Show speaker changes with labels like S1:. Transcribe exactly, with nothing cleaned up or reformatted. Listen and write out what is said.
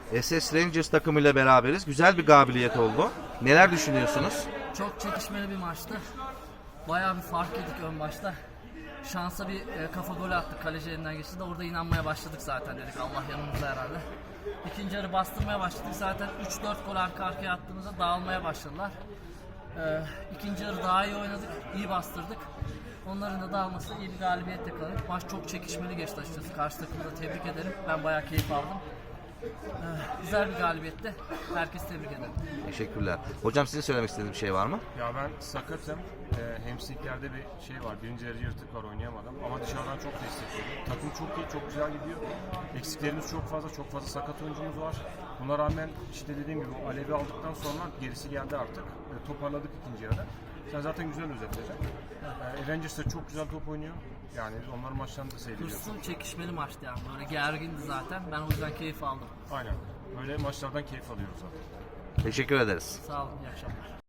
S1: S S Rangers takımıyla beraberiz. Güzel bir galibiyet oldu. Neler düşünüyorsunuz?
S2: Çok çekişmeli bir maçtı. Bayağı bir fark yedik ön başta. Şansa bir e, kafa golü attık. Kaleci elinden geçti de orada inanmaya başladık zaten, dedik Allah yanımızda herhalde. İkinci yarı bastırmaya başladık. Zaten üç dört gol arka arkaya attığımızda dağılmaya başladılar. E, ikinci yarı daha iyi oynadık. İyi bastırdık. Onların da dağılması iyi bir galibiyette kalır. Maç çok çekişmeli geçti açıkçası. Karşı takımı da tebrik ederim. Ben bayağı keyif aldım. Ee, güzel bir galibiyetti. Herkesi tebrik ederim.
S1: Teşekkürler. Hocam sizin söylemek istediğiniz bir şey var mı?
S3: Ya ben sakatım. Ee, hamstringlerde bir şey var. Birinci yarı yırtık var, oynayamadım. Ama dışarıdan çok destekledim. Takım çok iyi, çok güzel gidiyor. Eksiklerimiz çok fazla, çok fazla sakat oyuncumuz var. Buna rağmen işte dediğim gibi Alev'i aldıktan sonra gerisi geldi artık. E, toparladık ikinci yarıda. Sen zaten güzel özetledin. E, Rangers de çok güzel top oynuyor. Yani onların maçlarını da seyrediyoruz.
S2: Hırslı, çekişmeli maçtı yani. Böyle gergindi zaten. Ben o yüzden keyif aldım.
S3: Aynen. Böyle maçlardan keyif alıyoruz zaten.
S1: Teşekkür ederiz.
S2: Sağ olun, iyi akşamlar.